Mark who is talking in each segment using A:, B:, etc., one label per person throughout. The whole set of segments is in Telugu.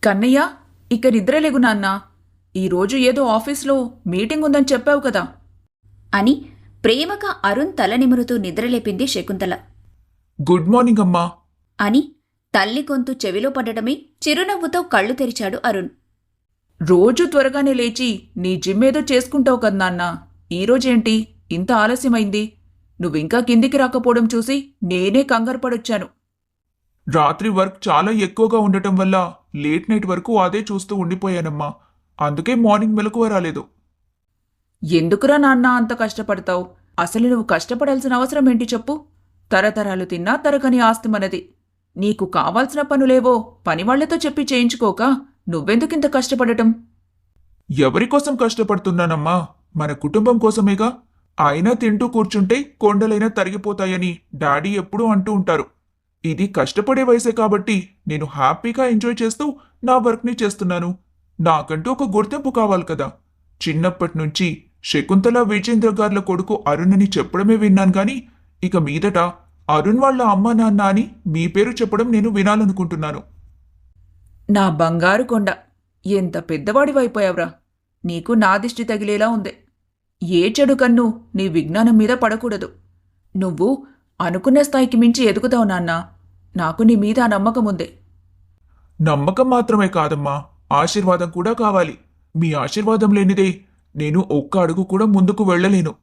A: కన్నయ్య, ఇక నిద్రలేగు నాన్నా. ఈరోజు ఏదో ఆఫీస్లో మీటింగ్ ఉందని చెప్పావు కదా
B: అని ప్రేమగా అరుణ్ తల నిమురుతూ నిద్రలేపింది శకుంతల.
A: గుడ్ మార్నింగ్ అమ్మా
B: అని తల్లి గొంతు చెవిలో పడటమే చిరునవ్వుతో కళ్ళు తెరిచాడు అరుణ్.
A: రోజు త్వరగానే లేచి నీ జిమ్ ఏదో చేసుకుంటావు కదా నాన్నా. ఈరోజేంటి ఇంత ఆలస్యమైంది? నువ్వింకా కిందికి రాకపోవడం చూసి నేనే కంగారుపడొచ్చాను. రాత్రి వర్క్ చాలా ఎక్కువగా ఉండటం వల్ల లేట్ నైట్ వరకు అదే చూస్తూ ఉండిపోయానమ్మా. అందుకే మార్నింగ్ మెలకువ రాలేదు. ఎందుకురా నాన్న అంత కష్టపడతావు? అసలు నువ్వు కష్టపడాల్సిన అవసరం ఏంటి చెప్పు? తరతరాలు తిన్నా తరగని ఆస్తి మనది. నీకు కావాల్సిన పనులేవో పనివాళ్లతో చెప్పి చేయించుకోక నువ్వెందుకింత కష్టపడటం? ఎవరికోసం కష్టపడుతున్నానమ్మా? మన కుటుంబం కోసమేగా. అయినా తింటూ కూర్చుంటే కొండలైనా తరిగిపోతాయని డాడీ ఎప్పుడూ అంటూ ఉంటారు. ఇది కష్టపడే వయసే కాబట్టి నేను హ్యాపీగా ఎంజాయ్ చేస్తూ నా వర్క్ని చేస్తున్నాను. నాకంటూ ఒక గుర్తింపు కావాలి కదా. చిన్నప్పటి నుంచి శకుంతల విజేంద్ర గార్ల కొడుకు అరుణ్ అని చెప్పడమే విన్నాను గాని ఇక మీదట అరుణ్ వాళ్ళ అమ్మ నాన్న అని మీ పేరు చెప్పడం నేను వినాలనుకుంటున్నాను. నా బంగారు కొండ, ఎంత పెద్దవాడివైపోయావురా. నీకు నా దిష్టి తగిలేలా ఉంది. ఏ చెడు కన్ను నీ విజ్ఞానం మీద పడకూడదు. నువ్వు అనుకున్న స్థాయికి మించి ఎదుగుతావు నాన్నా. నాకు నీ మీద ఆ నమ్మకం ఉంది. నమ్మకం మాత్రమే కాదమ్మా, ఆశీర్వాదం కూడా కావాలి. మీ ఆశీర్వాదం లేనిదే నేను ఒక్క అడుగు కూడా ముందుకు వెళ్ళలేను.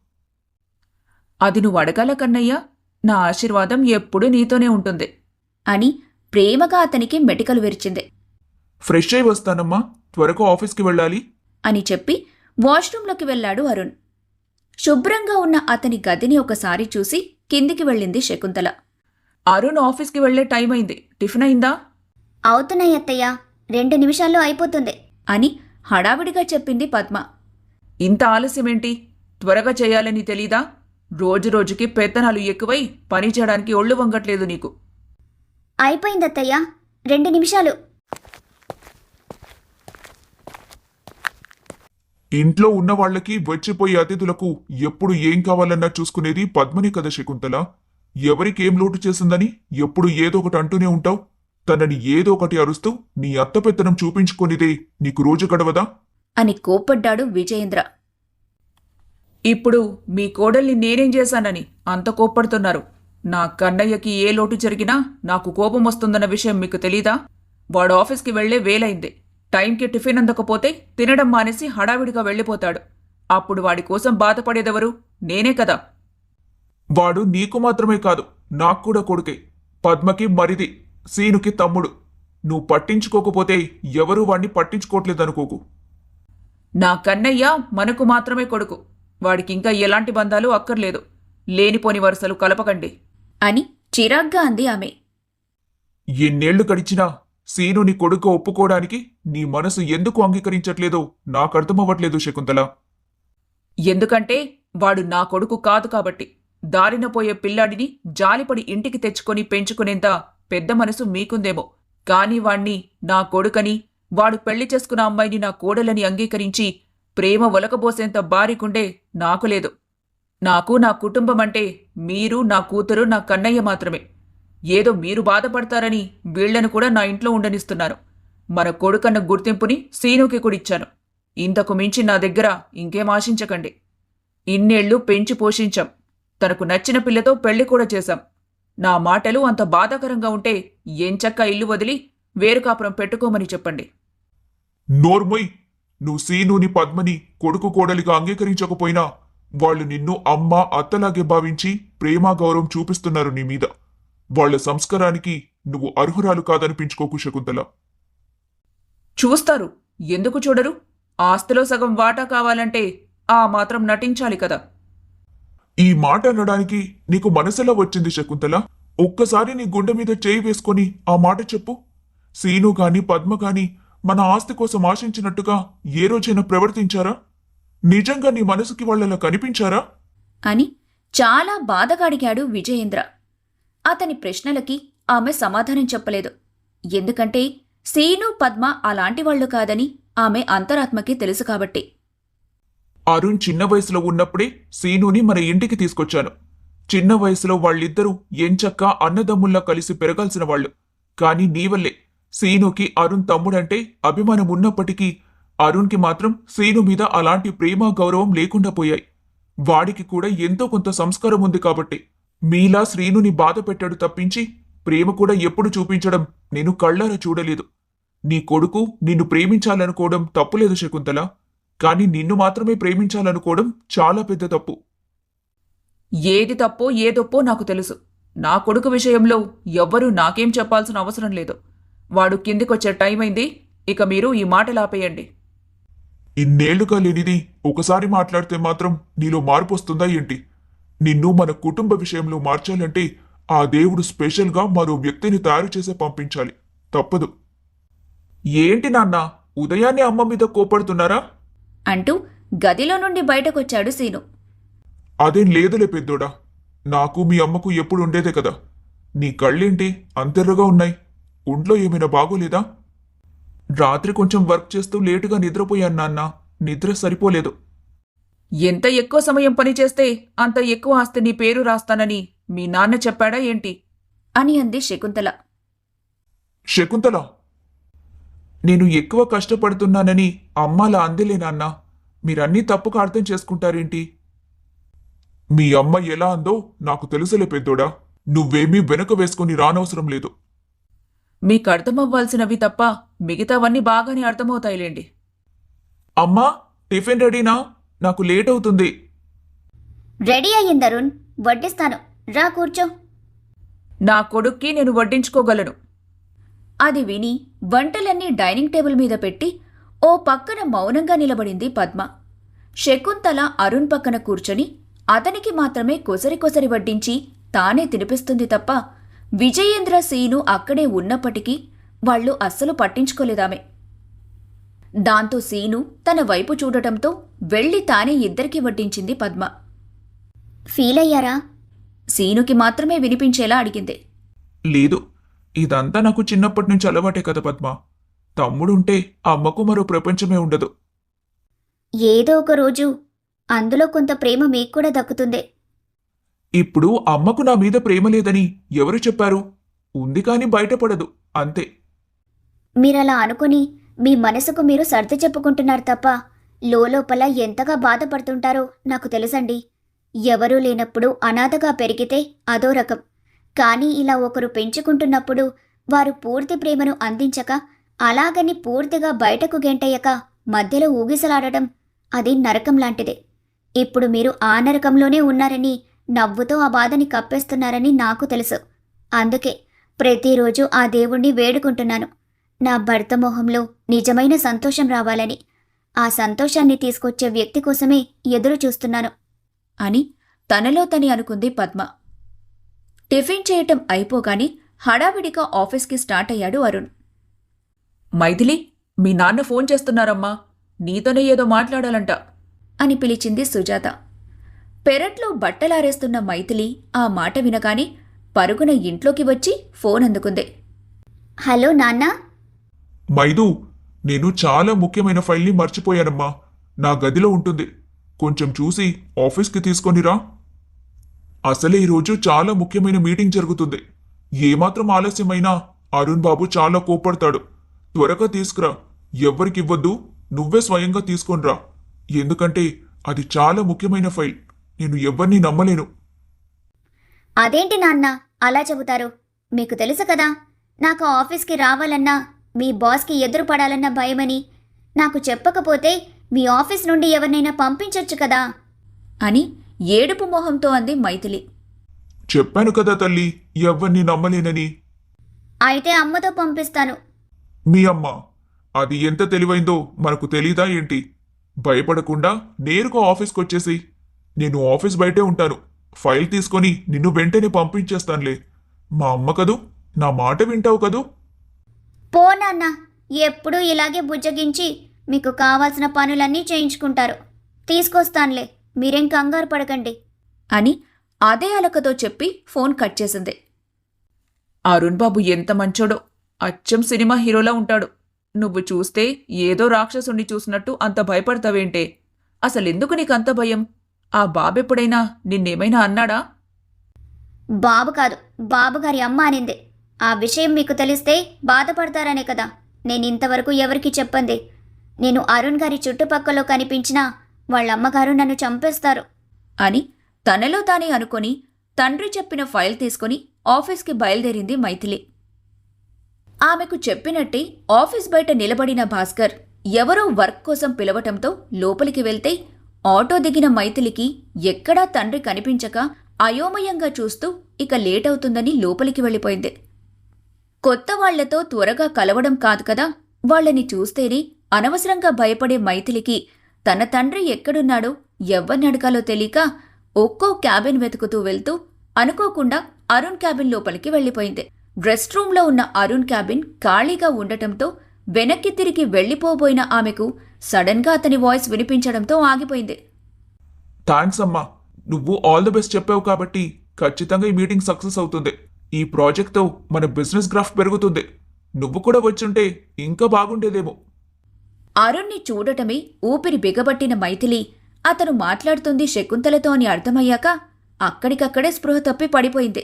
A: అది నువ్వు అడగాల కన్నయ్య. నా ఆశీర్వాదం ఎప్పుడూ నీతోనే ఉంటుంది
B: అని ప్రేమగా అతనికి మెటికలు విరిచింది.
A: ఫ్రెష్ అయి వస్తానమ్మా, త్వరగా ఆఫీస్కి వెళ్ళాలి
B: అని చెప్పి వాష్రూంలోకి వెళ్లాడు అరుణ్. శుభ్రంగా ఉన్న అతని గదిని ఒకసారి చూసి కిందికి వెళ్ళింది శకుంతల.
A: అరుణ్ ఆఫీస్కి వెళ్లే టైం అయింది. టిఫిన్ అయిందా?
C: అవుతున్నాయి అత్తయ్య, 2 నిమిషాల్లో అయిపోతుంది
B: అని హడావిడిగా చెప్పింది పద్మ.
A: ఇంత ఆలస్యమేంటి? త్వరగా చేయాలని తెలీదా? రోజురోజుకి పెత్తనాలు ఎక్కువై పని చేయడానికి ఒళ్ళు వంగట్లేదు నీకు.
C: అయిపోయింది అత్తయ్య, 2 నిమిషాలు.
D: ఇంట్లో ఉన్న వాళ్లకి వచ్చిపోయే అతిథులకు ఎప్పుడు ఏం కావాలన్నా చూసుకునేది పద్మని కదా శకుంతల. ఎవరికేం లోటు చేసిందని ఎప్పుడు ఏదో ఒకటి అంటూనే ఉంటావు. తనని ఏదో ఒకటి అరుస్తూ నీ అత్తపెత్తనం చూపించుకొనిదే నీకు రోజు గడవదా
B: అని కోప్పడ్డాడు విజయేంద్ర.
A: ఇప్పుడు మీ కోడల్ని నేనేం చేశానని అంత కోప్పడుతున్నారు? నా కన్నయ్యకి ఏ లోటు జరిగినా నాకు కోపం వస్తుందన్న విషయం మీకు తెలీదా? వాడు ఆఫీస్కి వెళ్లే వేలైంది. టైంకి టిఫిన్ అందకపోతే తినడం మానేసి హడావిడిగా వెళ్ళిపోతాడు. అప్పుడు వాడి కోసం బాధపడేదెవరు? నేనే కదా.
D: వాడు నీకు మాత్రమే కాదు, నాకు కూడా కొడుకే. పద్మకి మరిది, సీనుకి తమ్ముడు. నువ్వు పట్టించుకోకపోతే ఎవరూ వాణ్ణి పట్టించుకోవట్లేదనుకోకు.
A: నా కన్నయ్య మనకు మాత్రమే కొడుకు. వాడికింకా ఎలాంటి బంధాలు అక్కర్లేదు. లేనిపోని వరుసలు కలపకండి
B: అని చిరాగ్గా అంది ఆమె.
D: ఎన్నేళ్లు గడిచినా సీను నీ కొడుకు ఒప్పుకోవడానికి నీ మనసు ఎందుకు అంగీకరించట్లేదో నాకర్థమవ్వట్లేదు శకుంతల.
A: ఎందుకంటే వాడు నా కొడుకు కాదు కాబట్టి. దారిన పోయే పిల్లాడిని జాలిపడి ఇంటికి తెచ్చుకొని పెంచుకునేంత పెద్ద మనసు మీకుందేమో. కాని వాణ్ణి నా కొడుకని, వాడు పెళ్లి చేసుకున్న అమ్మాయిని నా కోడలని అంగీకరించి ప్రేమ ఒలకబోసేంత బారికుండే నాకు లేదు. నాకు నా కుటుంబం అంటే మీరు, నా కూతురు, నా కన్నయ్య మాత్రమే. ఏదో మీరు బాధపడతారని వీళ్లను కూడా నా ఇంట్లో ఉండనిస్తున్నాను. మన కొడుకన్న గుర్తింపుని సీనుకి కూడిచ్చాను. ఇంతకు మించి నా దగ్గర ఇంకేం ఆశించకండి. ఇన్నేళ్లు పెంచి పోషించాం. తనకు నచ్చిన పిల్లతో పెళ్లి కూడా చేశాం. నా మాటలు అంత బాధాకరంగా ఉంటే ఎంచక్కా ఇల్లు వదిలి వేరు కాపురం పెట్టుకోమని చెప్పండి.
D: నోర్మొయ్, నువ్వు సీనుని పద్మని కొడుకు కోడలిగా అంగీకరించకపోయినా వాళ్ళు నిన్ను అమ్మ అత్తలాగే భావించి ప్రేమ గౌరవం చూపిస్తున్నారు నీ మీద. వాళ్ల సంస్కారానికి నువ్వు అర్హురాలు కాదనిపించుకోకు శకుంతల.
A: చూస్తారు, ఎందుకు చూడరు? ఆస్తిలో సగం వాటా కావాలంటే ఆ మాత్రం నటించాలి కదా.
D: ఈ మాట అనడానికి నీకు మనసెలా వచ్చింది శకుంతల? ఒక్కసారి నీ గుండె మీద చేయి వేసుకొని ఆ మాట చెప్పు. సీను గాని పద్మ గాని మన ఆస్తి కోసం ఆశించినట్టుగా ఏ రోజైనా ప్రవర్తించారా? నిజంగా నీ మనసుకి వాళ్ళలా కనిపించారా
B: అని చాలా బాధగా అడిగాడు విజయేంద్ర. అతని ప్రశ్నలకి ఆమె సమాధానం చెప్పలేదు. ఎందుకంటే సీను, పద్మ అలాంటి వాళ్లు కాదని ఆమె అంతరాత్మకి తెలుసు కాబట్టి.
D: అరుణ్ చిన్న వయసులో ఉన్నప్పుడే సీనుని మన ఇంటికి తీసుకొచ్చాను. చిన్న వయసులో వాళ్ళిద్దరూ ఎంచక్కా అన్నదమ్ముల్లా కలిసి పెరగాల్సిన వాళ్ళు. కాని నీవల్లే సీనుకి అరుణ్ తమ్ముడంటే అభిమానం ఉన్నప్పటికీ అరుణ్కి మాత్రం సీను మీద అలాంటి ప్రేమ గౌరవం లేకుండా పోయాయి. వాడికి కూడా ఎంతో కొంత సంస్కారం ఉంది కాబట్టి మీలా శ్రీనుని బాధ పెట్టాడు తప్పించి ప్రేమ కూడా ఎప్పుడు చూపించడం నేను కళ్ళారా చూడలేదు. నీ కొడుకు నిన్ను ప్రేమించాలనుకోవడం తప్పులేదు శకుంతల, కాని నిన్ను మాత్రమే ప్రేమించాలనుకోవడం చాలా పెద్ద తప్పు.
A: ఏది తప్పో ఏదొప్పో నాకు తెలుసు. నా కొడుకు విషయంలో ఎవ్వరూ నాకేం చెప్పాల్సిన అవసరం లేదు. వాడు కిందికొచ్చే టైం అయింది. ఇక మీరు ఈ మాటలాపేయండి.
D: ఇన్నేళ్లుగా లేనిది ఒకసారి మాట్లాడితే మాత్రం నీలో మార్పు వస్తుందా ఏంటి? నిన్ను మన కుటుంబ విషయంలో మార్చాలంటే ఆ దేవుడు స్పెషల్గా మరో వ్యక్తిని తయారు చేసే పంపించాలి. తప్పదు. ఏంటి నాన్న, ఉదయాన్నే అమ్మ మీద కోపడుతున్నారా?
B: అంటూ గదిలో నుండి బయటకొచ్చాడు సీను.
D: అదేం లేదులే పెద్దోడా, నాకు మీ అమ్మకు ఎప్పుడు ఉండేదే కదా. నీ కళ్ళేంటి అంతెర్రగా ఉన్నాయి? ఒంట్లో ఏమైనా బాగోలేదా? రాత్రి కొంచెం వర్క్ చేస్తూ లేటుగా నిద్రపోయాను నాన్న, నిద్ర సరిపోలేదు.
A: ఎంత ఎక్కువ సమయం పనిచేస్తే అంత ఎక్కువ ఆస్తి నీ పేరు రాస్తానని మీ నాన్న చెప్పాడా ఏంటి?
B: అని అంది శకుంతల.
D: శకుంతల, నేను ఎక్కువ కష్టపడుతున్నానని అమ్మాలా అందిలే నాన్న. మీరన్నీ తప్పుగా అర్థం చేసుకుంటారేంటి? మీ అమ్మ ఎలా అందో నాకు తెలుసులే పెద్దోడా. నువ్వేమీ వెనక వేసుకుని రానవసరం లేదు.
A: మీకు అర్థమవ్వాల్సినవి తప్ప మిగతావన్నీ బాగానే అర్థమవుతాయిలేండి.
D: అమ్మా, టిఫిన్ రెడీనా? నాకు లేట్ అవుతుంది.
C: రెడీ అయ్యింది అరుణ్, వడ్డిస్తాను, రా కూర్చో.
A: నా కొడుక్కి నేను వడ్డించుకోగలను.
B: అది విని వంటలన్నీ డైనింగ్ టేబుల్ మీద పెట్టి ఓ పక్కన మౌనంగా నిలబడింది పద్మ. శకుంతల అరుణ్ పక్కన కూర్చొని అతనికి మాత్రమే కొసరి వడ్డించి తానే తినిపిస్తుంది తప్ప విజయేంద్ర సీను అక్కడే ఉన్నప్పటికీ వాళ్లు అస్సలు పట్టించుకోలేదామె. దాంతో సీను తన వైపు చూడటంతో వెళ్లి తానే ఇద్దరికీ వడ్డించింది పద్మ.
C: ఫీల్ అయ్యారా?
B: సీనుకి మాత్రమే వినిపించేలా అడిగింది.
D: లేదు, ఇదంతా నాకు చిన్నప్పటి నుంచి అలవాటే కదా పద్మ. తమ్ముడుంటే అమ్మకు మరో ప్రపంచమే ఉండదు.
C: ఏదో ఒక రోజు అందులో కొంత ప్రేమ మీకు కూడా దక్కుతుంది.
D: ఇప్పుడు అమ్మకు నా మీద ప్రేమ లేదని ఎవరు చెప్పారు? ఉంది కాని బయటపడదు, అంతే.
C: మీరలా అనుకుని మీ మనసుకు మీరు సర్ది చెప్పుకుంటున్నారు తప్ప లోపల ఎంతగా బాధపడుతుంటారో నాకు తెలుసండి. ఎవరూ లేనప్పుడు అనాథగా పెరిగితే అదో రకం. కానీ ఇలా ఒకరు పెంచుకుంటున్నప్పుడు వారు పూర్తి ప్రేమను అందించక అలాగని పూర్తిగా బయటకు గెంటయ్యక మధ్యలో ఊగిసలాడటం అది నరకం లాంటిదే. ఇప్పుడు మీరు ఆ నరకంలోనే ఉన్నారని నవ్వుతో ఆ బాధని కప్పేస్తున్నారని నాకు తెలుసు. అందుకే ప్రతిరోజు ఆ దేవుణ్ణి వేడుకుంటున్నాను, నా భర్త మొహంలో నిజమైన సంతోషం రావాలని. ఆ సంతోషాన్ని తీసుకొచ్చే వ్యక్తి కోసమే ఎదురు చూస్తున్నాను
B: అని తనలో తని అనుకుంది పద్మ. టిఫిన్ చేయటం అయిపోగాని హడావిడిగా ఆఫీస్కి స్టార్ట్ అయ్యాడు అరుణ్.
A: మైథిలి, మీ నాన్న ఫోన్ చేస్తున్నారమ్మా, నీతోనే ఏదో మాట్లాడాలంట
B: అని పిలిచింది సుజాత. పెరట్లో బట్టలారేస్తున్న మైథిలి ఆ మాట వినగానే పరుగున ఇంట్లోకి వచ్చి ఫోన్ అందుకుంది.
C: హలో నాన్నా.
D: మైదు, నేను చాలా ముఖ్యమైన ఫైల్ని మర్చిపోయానమ్మా. నా గదిలో ఉంటుంది, కొంచెం చూసి ఆఫీస్కి తీసుకొనిరా. అసలే ఈరోజు చాలా ముఖ్యమైన మీటింగ్ జరుగుతుంది. ఏమాత్రం ఆలస్యమైనా అరుణ్ బాబు చాలా కోప్పడతాడు. త్వరగా తీసుకురా. ఎవ్వరికివ్వద్దు, నువ్వే స్వయంగా తీసుకొనిరా. ఎందుకంటే అది చాలా ముఖ్యమైన ఫైల్. నేను ఎవ్వరినీ నమ్మలేను.
C: అదేంటి నాన్న అలా చెబుతారు? మీకు తెలుసు కదా, నాకు ఆఫీస్కి రావాలన్నా మీ బాస్కి ఎదురు పడాలన్న భయమని. నాకు చెప్పకపోతే మీ ఆఫీస్ నుండి ఎవరినైనా పంపించొచ్చు కదా
B: అని ఏడుపు మొహంతో అంది మైథిలి.
D: చెప్పాను కదా తల్లి, ఎవ్వరినీ నమ్మలేనని.
C: అయితే అమ్మతో పంపిస్తాను.
D: మీ అమ్మ అది ఎంత తెలివైందో మనకు తెలీదా ఏంటి? భయపడకుండా నేరుగా ఆఫీస్కి వచ్చేసి, నేను ఆఫీస్ బయటే ఉంటాను, ఫైల్ తీసుకొని నిన్ను వెంటనే పంపించేస్తానులే. మా అమ్మ కదూ, నా మాట వింటావు కదూ.
C: పో నాన్న, ఎప్పుడూ ఇలాగే బుజ్జగించి మీకు కావాల్సిన పనులన్నీ చేయించుకుంటారు. తీసుకొస్తానులే, మీరేం కంగారు పడకండి
B: అని అదే అలకతో చెప్పి ఫోన్ కట్ చేసింది.
A: అరుణ్ బాబు ఎంత మంచోడో, అచ్చం సినిమా హీరోలా ఉంటాడు. నువ్వు చూస్తే ఏదో రాక్షసుణ్ణి చూసినట్టు అంత భయపడతావేంటే? అసలెందుకు నీకంత భయం? ఆ బాబెప్పుడైనా నిన్నేమైనా అన్నాడా?
C: బాబు కాదు, బాబుగారి అమ్మ అనింది. ఆ విషయం మీకు తెలిస్తే బాధపడతారనే కదా నేను ఇంతవరకు ఎవరికి చెప్పంది. నేను అరుణ్ గారి చుట్టుపక్కల కనిపించినా వాళ్ళ అమ్మగారు నన్ను చంపేస్తారు
B: అని తనలో తానే అనుకొని తండ్రి చెప్పిన ఫైల్ తీసుకుని ఆఫీస్కి బయలుదేరింది మైథిలి. ఆమెకు చెప్పినట్టే ఆఫీస్ బయట నిలబడిన భాస్కర్ ఎవరో వర్క్ కోసం పిలవటంతో లోపలికి వెళ్తే ఆటో దిగిన మైథిలికి ఎక్కడా తండ్రి కనిపించక అయోమయంగా చూస్తూ ఇక లేట్ అవుతుందని లోపలికి వెళ్ళిపోయింది. కొత్త వాళ్లతో త్వరగా కలవడం కాదు కదా, వాళ్ళని చూస్తేనే అనవసరంగా భయపడే మైథిలికి తన తండ్రి ఎక్కడున్నాడో ఎవ్వరినడగాలో తెలియక ఒక్కో క్యాబిన్ వెతుకుతూ వెళ్తూ అనుకోకుండా అరుణ్ క్యాబిన్ లోపలికి వెళ్ళిపోయింది. రెస్ట్ రూంలో ఉన్న అరుణ్ క్యాబిన్ ఖాళీగా ఉండటంతో వెనక్కి తిరిగి వెళ్లిపోబోయిన ఆమెకు సడన్గా అతని వాయిస్ వినిపించడంతో ఆగిపోయింది.
D: థ్యాంక్స్ అమ్మా, నువ్వు ఆల్ ది బెస్ట్ చెప్పావు కాబట్టి ఖచ్చితంగా ఈ మీటింగ్ సక్సెస్ అవుతుంది. ఈ ప్రాజెక్ట్తో మన బిజినెస్ గ్రాఫ్ పెరుగుతుంది. నువ్వు కూడా వచ్చుంటే ఇంకా బాగుండేదేమో.
B: అరుణ్ణి చూడటమే ఊపిరి బిగబట్టిన మైథిలి అతను మాట్లాడుతుంది శకుంతలతో అని అర్థమయ్యాక అక్కడికక్కడే స్పృహ తప్పి పడిపోయింది.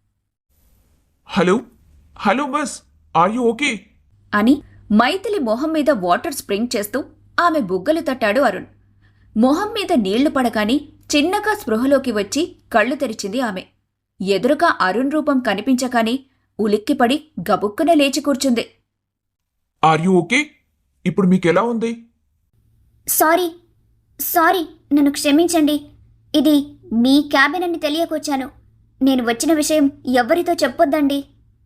D: Hello hello miss, are you okay?
B: అని మైథిలి మొహం మీద వాటర్ స్ప్రింగ్ చేస్తూ ఆమె బుగ్గలు తట్టాడు అరుణ్. మొహం మీద నీళ్లు పడగానే చిన్నగా స్పృహలోకి వచ్చి కళ్ళు తెరిచింది ఆమె. ఎదురుగా అరుణ్ రూపం కనిపించగానే ఉలిక్కిపడి గబుక్కున లేచి కూర్చుంది.
D: Are you okay? ఇప్పుడు మీకెలా ఉంది?
C: సారీ సారీ నన్ను క్షమించండి. ఇది మీ క్యాబిన్ అని తెలియకొచ్చాను. నేను వచ్చిన విషయం ఎవ్వరితో చెప్పొద్దండి.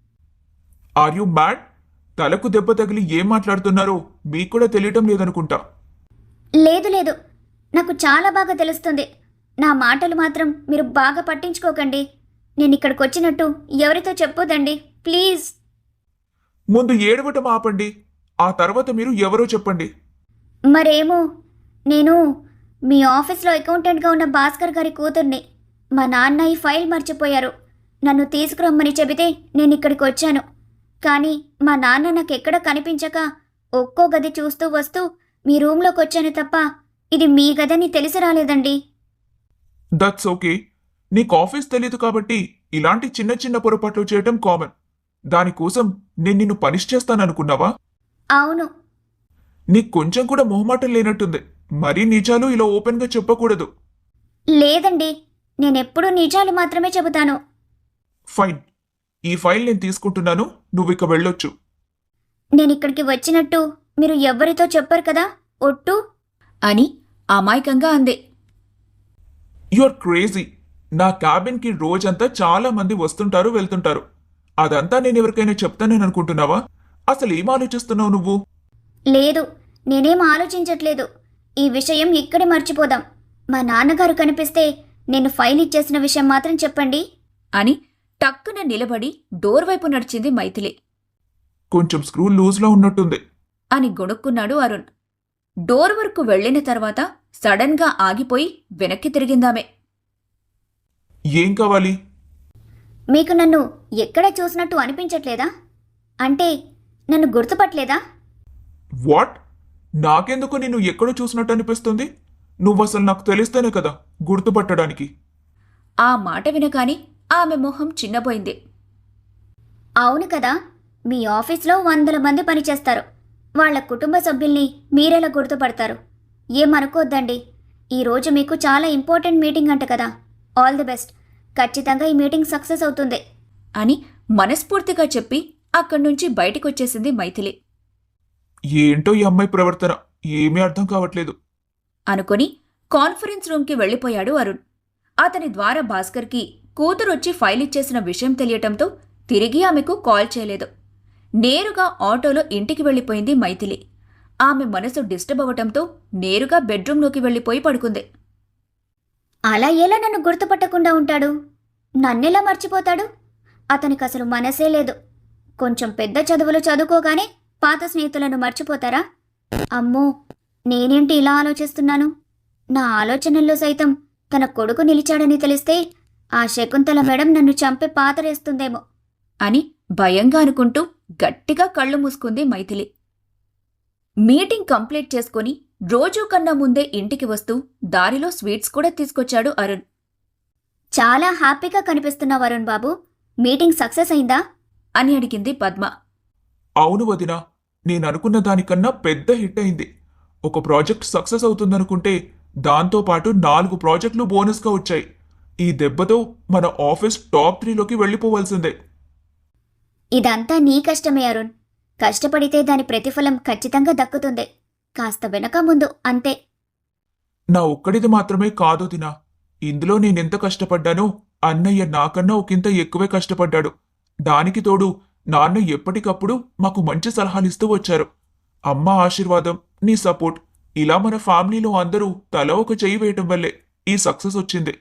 D: Are you mad? తలకు దెబ్బ తగిలి ఏం మాట్లాడుతున్నారో మీకు కూడా తెలియటం లేదనుకుంటా.
C: లేదు లేదు, నాకు చాలా బాగా తెలుస్తుంది. నా మాటలు మాత్రం మీరు బాగా పట్టించుకోకండి. నేను ఇక్కడికి వచ్చినట్టు ఎవరితో చెప్పొద్దండి ప్లీజ్.
D: ముందు ఏడవటం ఆపండి, ఆ తర్వాత మీరు ఎవరో చెప్పండి.
C: మరేమో, నేను మీ ఆఫీస్లో అకౌంటెంట్గా ఉన్న భాస్కర్ గారి కూతుర్ని. మా నాన్న ఈ ఫైల్ మర్చిపోయారు. నన్ను తీసుకురమ్మని చెబితే నేను ఇక్కడికి వచ్చాను. కానీ మా నాన్న నాకెక్కడ కనిపించక ఒక్కో గది చూస్తూ వస్తూ మీ రూమ్లోకి వచ్చాను తప్ప ఇది మీ గదని తెలిసి రాలేదండి.
D: That's okay. నీకు ఆఫీస్ తెలీదు కాబట్టి ఇలాంటి చిన్న చిన్న పొరపాట్లు చేయటం కామన్. దానికోసం నేను నిన్ను పనిష్ చేస్తాననుకున్నావా?
C: అవును.
D: నీకు కొంచెం కూడా మొహమాటం లేనట్టుంది. మరీ నిజాలు ఇలా ఓపెన్గా చెప్పకూడదు.
C: లేదండి, నేనెప్పుడూ నిజాలు మాత్రమే చెబుతాను.
D: ఫైన్, ఈ ఫైల్ నేను తీసుకుంటున్నాను, నువ్విక వెళ్ళొచ్చు.
C: నేనిక్కడికి వచ్చినట్టు మీరు ఎవ్వరితో చెప్పరు కదా ఒట్టు?
B: అని అమాయకంగా అందే.
D: You are crazy. నా క్యాబిన్కి రోజంతా చాలా మంది వస్తుంటారు వెళ్తుంటారు. అదంతా నేను ఎవరికైనా చెప్తానని అనుకుంటున్నావా? అసలు ఏం ఆలోచిస్తున్నావు నువ్వు?
C: లేదు, నేనేం ఆలోచించట్లేదు. ఈ విషయం ఇక్కడే మర్చిపోదాం. మా నాన్నగారు కనిపిస్తే నేను ఫైల్ ఇచ్చేసిన విషయం మాత్రం చెప్పండి
B: అని టక్కున నిలబడి డోర్ వైపు నడిచింది మైథిలి.
D: కొంచెం స్క్రూ లూజ్లో ఉన్నట్టుంది
B: అని గొణుక్కున్నాడు అరుణ్. డోర్ వరకు వెళ్లిన తర్వాత సడన్గా ఆగిపోయి వెనక్కి తిరిగిందామె.
D: ఏం కావాలి?
C: మీకు నన్ను ఎక్కడ చూసినట్టు అనిపించట్లేదా? అంటే నన్ను గుర్తుపట్టలేదా?
D: వాట్? నాకెందుకు నిన్ను ఎక్కడో చూసినట్టు అనిపిస్తుంది? నువ్వసలు నాకు తెలిస్తేనే కదా గుర్తుపట్టడానికి.
B: ఆ మాట వినగానే ఆమె మొహం చిన్నపోయింది.
C: అవును కదా, మీ ఆఫీస్లో 100 మంది పనిచేస్తారు. వాళ్ళ కుటుంబ సభ్యుల్ని మీరెలా గుర్తుపడతారు? ఏమనుకోద్దండి. ఈరోజు మీకు చాలా ఇంపార్టెంట్ మీటింగ్ అంట కదా. All the best. ఖచ్చితంగా ఈ మీటింగ్ సక్సెస్ అవుతుంది
B: అని మనస్ఫూర్తిగా చెప్పి అక్కడ్నుంచి బయటికొచ్చేసింది మైథిలి.
D: ఏంటో ఈ అమ్మాయి ప్రవర్తన, ఏమీ అర్థం కావట్లేదు
B: అనుకొని కాన్ఫరెన్స్ రూమ్కి వెళ్లిపోయాడు అరుణ్. అతని ద్వారా భాస్కర్కి కూతురొచ్చి ఫైల్ ఇచ్చేసిన విషయం తెలియటంతో తిరిగి ఆమెకు కాల్ చేయలేదు. నేరుగా ఆటోలో ఇంటికి వెళ్లిపోయింది మైథిలి. ఆమె మనసు డిస్టర్బ్ అవటంతో నేరుగా బెడ్రూంలోకి వెళ్లిపోయి పడుకుంది.
C: అలా ఎలా నన్ను గుర్తుపట్టకుండా ఉంటాడు? నన్నెలా మర్చిపోతాడు? అతనికి అసలు మనసే లేదు. కొంచెం పెద్ద చదువులు చదువుకోగానే పాత స్నేహితులను మర్చిపోతారా? అమ్మో, నేనేంటి ఇలా ఆలోచిస్తున్నాను? నా ఆలోచనల్లో సైతం తన కొడుకు నిలిచాడని తెలిస్తే ఆ శకుంతల మేడం నన్ను చంపే పాతరేస్తుందేమో
B: అని భయంగా అనుకుంటూ గట్టిగా కళ్ళు మూసుకుంది మైథిలి. మీటింగ్ కంప్లీట్ చేసుకుని రోజూ కన్నా ముందే ఇంటికి వస్తూ దారిలో స్వీట్స్ కూడా తీసుకొచ్చాడు అరుణ్.
C: చాలా హ్యాపీగా కనిపిస్తున్నావు అరుణ్ బాబు. మీటింగ్ సక్సెస్ అయిందా?
B: అని అడిగింది పద్మ.
D: అవును వదినా, నేననుకున్న దానికన్నా పెద్ద హిట్ అయింది. ఒక ప్రాజెక్ట్ సక్సెస్ అవుతుందనుకుంటే దాంతోపాటు 4 ప్రాజెక్టులు బోనస్గా వచ్చాయి. ఈ దెబ్బతో మన ఆఫీస్ టాప్ 3లోకి వెళ్ళిపోవాల్సిందే.
C: ఇదంతా నీ కష్టమే అరుణ్. కష్టపడితే దాని ప్రతిఫలం ఖచ్చితంగా దక్కుతుంది. కాస్త వెనక ముందు అంతే.
D: నా ఒక్కడిది మాత్రమే కాదు దినా. ఇందులో నేనెంత కష్టపడ్డానో అన్నయ్య నాకన్నా ఒకంత ఎక్కువే కష్టపడ్డాడు. దానికి తోడు నాన్న ఎప్పటికప్పుడు మాకు మంచి సలహాలిస్తూ వచ్చారు. అమ్మ ఆశీర్వాదం, నీ సపోర్ట్, ఇలా మన ఫ్యామిలీలో అందరూ తల ఒక చెయ్యి వేయటం వల్లే ఈ సక్సెస్ వచ్చింది.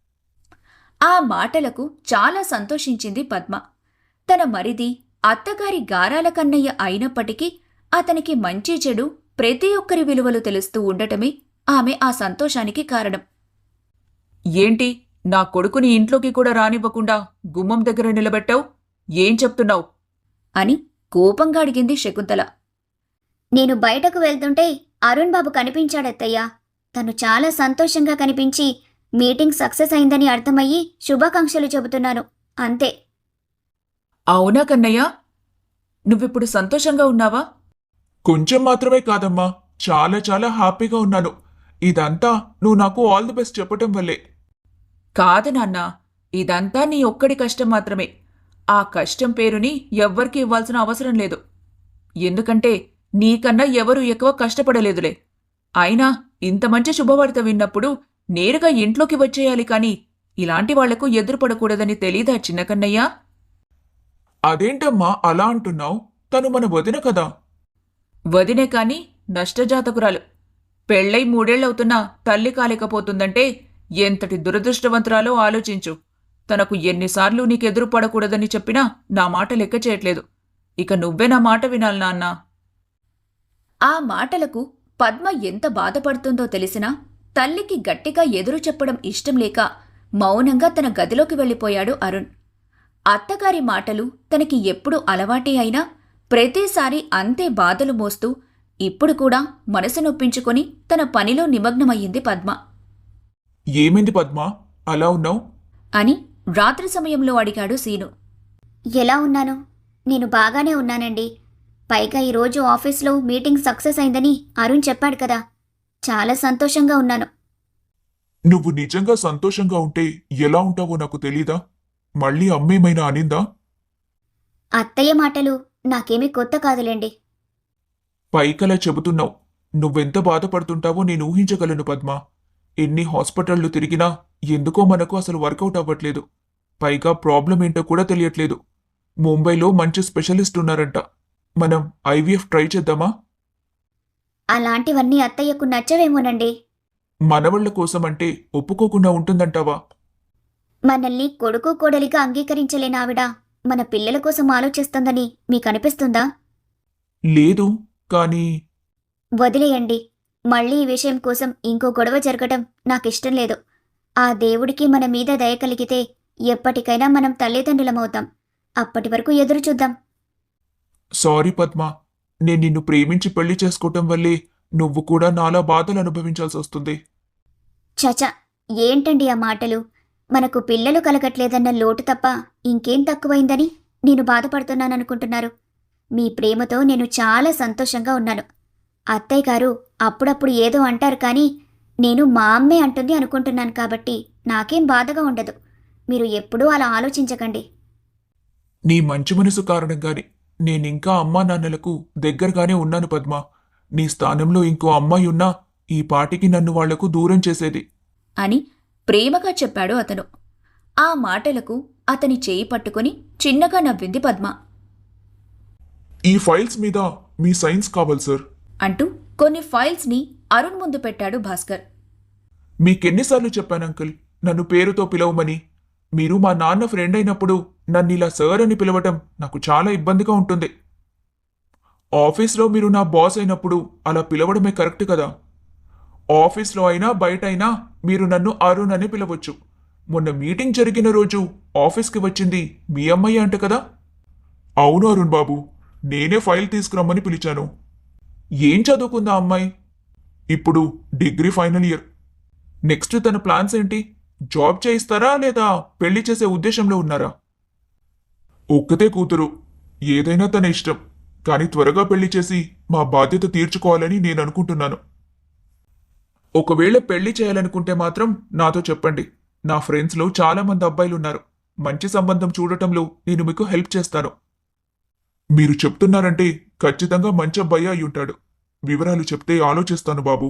B: ఆ మాటలకు చాలా సంతోషించింది పద్మ. తన మరిది అత్తగారి గారాల కన్నయ్య అయినప్పటికీ అతనికి మంచి చెడు ప్రతి ఒక్కరి విలువలు తెలుస్తూ ఉండటమే ఆమె ఆ సంతోషానికి కారణం.
A: ఏంటి, నా కొడుకుని ఇంట్లోకి కూడా రానివ్వకుండా గుమ్మం దగ్గర నిలబెట్టావు? ఏం చెప్తున్నావు?
B: అని కోపంగా అడిగింది శకుంతల.
C: నేను బయటకు వెళ్తుంటే అరుణ్ బాబు కనిపించాడత్తయ్యా. తను చాలా సంతోషంగా కనిపించి మీటింగ్ సక్సెస్ అయిందని అర్థమయ్యి శుభాకాంక్షలు చెబుతున్నాను, అంతే.
A: అవునా కన్నయ్య? నువ్విప్పుడు సంతోషంగా ఉన్నావా?
D: కొంచెం మాత్రమే కాదమ్మా, చాలా చాలా హ్యాపీగా ఉన్నాను. ఇదంతా నువ్వు నాకు ఆల్ ది బెస్ట్ చెప్పటం వల్లే.
A: కాదు నాన్న, ఇదంతా నీ ఒక్కడి కష్టం మాత్రమే. ఆ కష్టం పేరుని ఎవ్వరికీ ఇవ్వాల్సిన అవసరం లేదు. ఎందుకంటే నీకన్నా ఎవరూ ఎక్కువ కష్టపడలేదులే. అయినా ఇంత మంచి శుభవార్త విన్నప్పుడు నేరుగా ఇంట్లోకి వచ్చేయాలి కాని ఇలాంటి వాళ్లకు ఎదురుపడకూడదని తెలీదా చిన్న కన్నయ్యా?
D: అదేంటమ్మా అలా అంటున్నావు? తను మన వదిన కదా.
A: వదినే కాని నష్టజాతకురాలు. పెళ్ళై 3 ఏళ్లవుతున్నా తల్లి కాలేకపోతుందంటే ఎంతటి దురదృష్టవంతురాలో ఆలోచించు. తనకు ఎన్నిసార్లు నీకెదురు పడకూడదని చెప్పినా నా మాట లెక్క చేయట్లేదు. ఇక నువ్వే నా మాట వినాలి నాన్నా.
B: ఆ మాటలకు పద్మ ఎంత బాధపడుతుందో తెలిసినా తల్లికి గట్టిగా ఎదురు చెప్పడం ఇష్టం లేక మౌనంగా తన గదిలోకి వెళ్ళిపోయాడు అరుణ్. అత్తగారి మాటలు తనకి ఎప్పుడు అలవాటే అయినా ప్రతిసారి అంతే బాధలు మోస్తూ ఇప్పుడు కూడా మనసు నొప్పించుకొని తన పనిలో నిమగ్నమయ్యింది పద్మ.
D: ఏమైంది పద్మా, అలా ఉన్నావు?
B: అని రాత్రి సమయంలో అడిగాడు సీను.
C: ఎలా ఉన్నాను? నేను బాగానే ఉన్నానండి. పైగా ఈరోజు ఆఫీస్లో మీటింగ్ సక్సెస్ అయిందని అరుణ్ చెప్పాడు కదా, చాలా సంతోషంగా ఉన్నాను.
D: నువ్వు నిజంగా సంతోషంగా ఉంటే ఎలా ఉంటావో నాకు తెలీదా? మళ్ళీ అమ్మేమైనా అనిందా?
C: అత్తయ్య మాటలు నాకేమీ కొత్త కాదులేండి.
D: పైకలా చెబుతున్నావు. నువ్వెంత బాధపడుతుంటావో నేను ఊహించగలను పద్మా. ఎన్ని హాస్పిటళ్లు తిరిగినా ఎందుకో మనకు అసలు వర్కౌట్ అవ్వట్లేదు. పైగా ప్రాబ్లం ఏంటో కూడా తెలియట్లేదు. ముంబైలో మంచి స్పెషలిస్ట్ ఉన్నారంట. మనం ఐవీఎఫ్ ట్రై చేద్దామా?
C: అలాంటివన్నీ అత్తయ్యకు నచ్చవేమోనండి.
D: మనవళ్ల కోసమంటే ఒప్పుకోకుండా ఉంటుందంటావా?
C: మనల్ని కొడుకు కోడలిగా అంగీకరించలేని ఆవిడ మన పిల్లల కోసం ఆలోచిస్తుందని మీకనిపిస్తుందా?
D: లేదు, కానీ
C: వదిలేయండి. మళ్ళీ ఈ విషయం కోసం ఇంకో గొడవ జరగటం నాకిష్టం లేదు. ఆ దేవుడికి మన మీద దయ కలిగితే ఎప్పటికైనా మనం తల్లిదండ్రులమవుతాం. అప్పటి వరకు ఎదురు చూద్దాం.
D: సారీ పద్మా, నేను నిన్ను ప్రేమించి పెళ్లి చేసుకోవటం వల్లే నువ్వు కూడా నాలా బాధలు అనుభవించాల్సి వస్తుంది.
C: చచ, ఏంటండి ఆ మాటలు? మనకు పిల్లలు కలగట్లేదన్న లోటు తప్ప ఇంకేం తక్కువైందని నేను బాధపడుతున్నాననుకుంటున్నారు? మీ ప్రేమతో నేను చాలా సంతోషంగా ఉన్నాను. అత్తయ్య గారు అప్పుడప్పుడు ఏదో అంటారు కానీ నేను మా అమ్మే అంటుంది అనుకుంటున్నాను కాబట్టి నాకేం బాధగా ఉండదు. మీరు ఎప్పుడూ అలా ఆలోచించకండి.
D: నీ మంచి మనసు కారణంగానే నేనింకా అమ్మా నాన్నలకు దగ్గరగానే ఉన్నాను పద్మా. నీ స్థానంలో ఇంకో అమ్మాయి ఉన్నా ఈ పాటికి నన్ను వాళ్లకు దూరం చేసేది
B: అని ప్రేమగా చెప్పాడు అతను. ఆ మాటలకు అతని చేయి పట్టుకుని చిన్నగా నవ్వింది పద్మ.
D: ఈ ఫైల్స్ మీద మీ సైన్స్ కావాలి సార్
B: అంటూ కొన్ని ఫైల్స్ని అరుణ్ ముందు పెట్టాడు భాస్కర్.
D: మీకెన్నిసార్లు చెప్పాను అంకుల్ నన్ను పేరుతో పిలవమని? మీరు మా నాన్న ఫ్రెండ్ అయినప్పుడు నన్నిలా సార్ అని పిలవటం నాకు చాలా ఇబ్బందిగా ఉంటుంది. ఆఫీస్లో మీరు నా బాస్ అయినప్పుడు అలా పిలవడమే కరెక్ట్ కదా. ఆఫీస్లో అయినా బయట అయినా మీరు నన్ను అరుణ్ అని పిలవచ్చు. మొన్న మీటింగ్ జరిగిన రోజు ఆఫీస్కి వచ్చింది మీ అమ్మాయి అంట కదా? అవును అరుణ్ బాబు, నేనే ఫైల్ తీసుకురమ్మని పిలిచాను. ఏం చదువుకుందా అమ్మాయి? ఇప్పుడు డిగ్రీ ఫైనల్ ఇయర్. నెక్స్ట్ తన ప్లాన్స్ ఏంటి? జాబ్ చేయిస్తారా లేదా పెళ్లి చేసే ఉద్దేశంలో ఉన్నారా? ఒక్కతే కూతురు, ఏదైనా తన ఇష్టం. కానీ త్వరగా పెళ్లి చేసి మా బాధ్యత తీర్చుకోవాలని నేను అనుకుంటున్నాను. ఒకవేళ పెళ్లి చేయాలనుకుంటే మాత్రం నాతో చెప్పండి. నా ఫ్రెండ్స్లో చాలా మంది అబ్బాయిలున్నారు. మంచి సంబంధం చూడటంలో నేను మీకు హెల్ప్ చేస్తాను. మీరు చెప్తున్నారంటే ఖచ్చితంగా మంచి అబ్బాయి అయి ఉంటాడు. వివరాలు చెప్తే ఆలోచిస్తాను బాబు.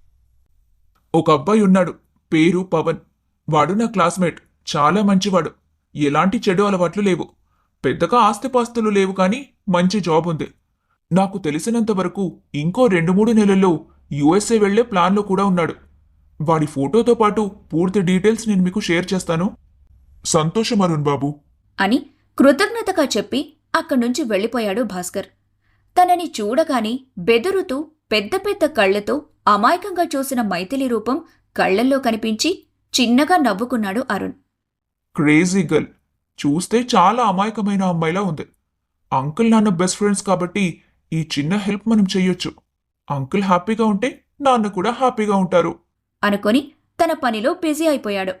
D: ఒక అబ్బాయి ఉన్నాడు, పేరు పవన్. వాడు నా క్లాస్మేట్. చాలా మంచివాడు. ఎలాంటి చెడు అలవాట్లు లేవు. పెద్దగా ఆస్తిపాస్తులు లేవు, కానీ మంచి జాబ్ ఉంది. నాకు తెలిసినంత వరకు ఇంకో 2-3 నెలల్లో యుఎస్ఏ వెళ్లే ప్లాన్లో కూడా ఉన్నాడు. వాడి ఫోటోతో పాటు పూర్తి డీటెయిల్స్ నేను మీకు షేర్ చేస్తాను. సంతోషం అరుణ్ బాబు
B: అని కృతజ్ఞతగా చెప్పి అక్కడ్నుంచి వెళ్ళిపోయాడు భాస్కర్. తనని చూడగానే బెదురుతూ పెద్ద పెద్ద కళ్లతో అమాయకంగా చూసిన మైథిలి రూపం కళ్లల్లో కనిపించి చిన్నగా నవ్వుకున్నాడు అరుణ్.
D: Crazy girl. చూస్తే చాలా అమాయకమైన అమ్మాయిలా ఉంది. అంకుల్ నాన్న బెస్ట్ ఫ్రెండ్స్ కాబట్టి ఈ చిన్న హెల్ప్ మనం చెయ్యొచ్చు. అంకుల్ హ్యాపీగా ఉంటే నాన్న కూడా హ్యాపీగా ఉంటారు
B: అనుకొని తన పనిలో బిజీ అయిపోయాడు.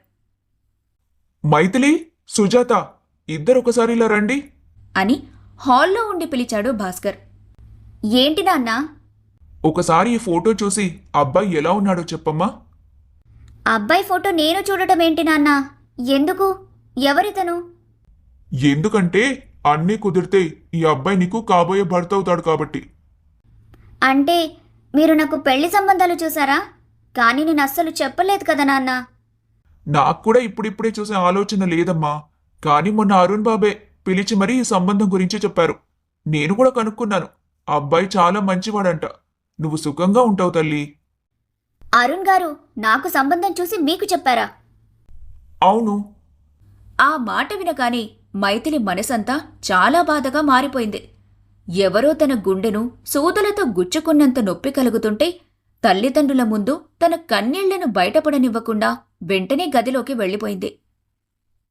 D: మైథిలి, సుజాత, ఇద్దరు ఒకసారి ఇలా రండి
B: అని హాల్లో ఉండి పిలిచాడు భాస్కర్.
C: ఏంటి నాన్నా?
D: ఒకసారి ఈ ఫోటో చూసి అబ్బాయి ఎలా ఉన్నాడో చెప్పమ్మా.
C: అబ్బాయి ఫోటో నేను చూడటం ఏంటి నాన్నా? ఎందుకు? ఎవరితను?
D: ఎందుకంటే అన్నీ కుదిరితే ఈ అబ్బాయి నీకు కాబోయే భర్త అవుతాడు కాబట్టి.
C: అంటే మీరు నాకు పెళ్లి సంబంధాలు చూసారా? కానీ నేను అస్సలు చెప్పలేదు కదా నాన్న.
D: నాకు కూడా ఇప్పుడిప్పుడే చూసే ఆలోచన లేదమ్మా. కానీ మొన్న అరుణ్ బాబే పిలిచి మరీ ఈ సంబంధం గురించి చెప్పారు. నేను కూడా కనుక్కున్నాను. అబ్బాయి చాలా మంచివాడంట. నువ్వు సుఖంగా ఉంటావు తల్లి.
C: అరుణ్ గారు నాకు సంబంధం చూసి మీకు చెప్పారా?
D: అవును.
B: ఆ మాట వినగానే మైథిలి మనసంతా చాలా బాధగా మారిపోయింది. ఎవరో తన గుండెను సూదులతో గుచ్చుకున్నంత నొప్పి కలుగుతుంటే తల్లిదండ్రుల ముందు తన కన్నీళ్లను బయటపడనివ్వకుండా వెంటనే గదిలోకి వెళ్ళిపోయింది.